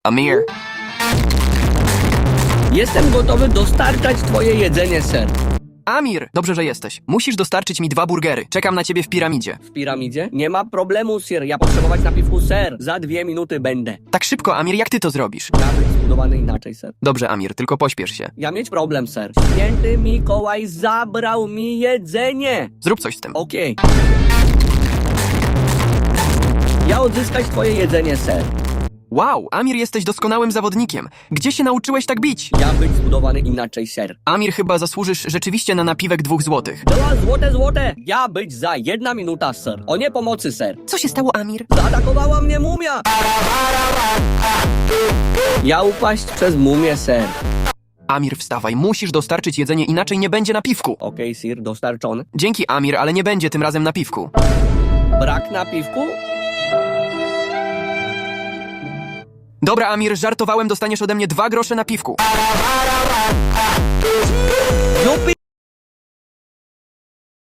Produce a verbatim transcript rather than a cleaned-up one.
Amir. Jestem gotowy dostarczać twoje jedzenie, ser. Amir, dobrze, że jesteś. Musisz dostarczyć mi dwa burgery. Czekam na ciebie w piramidzie. W piramidzie? Nie ma problemu, sir. Ja potrzebować napiwku, ser. Za dwie minuty będę. Tak szybko, Amir, jak ty to zrobisz? Ja być zbudowany inaczej, ser. Dobrze, Amir, tylko pośpiesz się. Ja mieć problem, ser. Święty Mikołaj zabrał mi jedzenie. Zrób coś z tym. Okej. Ja odzyskać twoje jedzenie, ser. Wow, Amir, jesteś doskonałym zawodnikiem. Gdzie się nauczyłeś tak bić? Ja być zbudowany inaczej, ser. Amir, chyba zasłużysz rzeczywiście na napiwek dwóch złotych. Dwa złote, złote. Ja być za jedna minuta, ser. O nie pomocy, ser. Co się stało, Amir? Zaatakowała mnie mumia. Ja upaść przez mumię, ser. Amir, wstawaj, musisz dostarczyć jedzenie, inaczej nie będzie napiwku. Okej, sir, dostarczony. Dzięki, Amir, ale nie będzie tym razem napiwku. Brak napiwku? Dobra, Amir, żartowałem, dostaniesz ode mnie dwa grosze napiwku.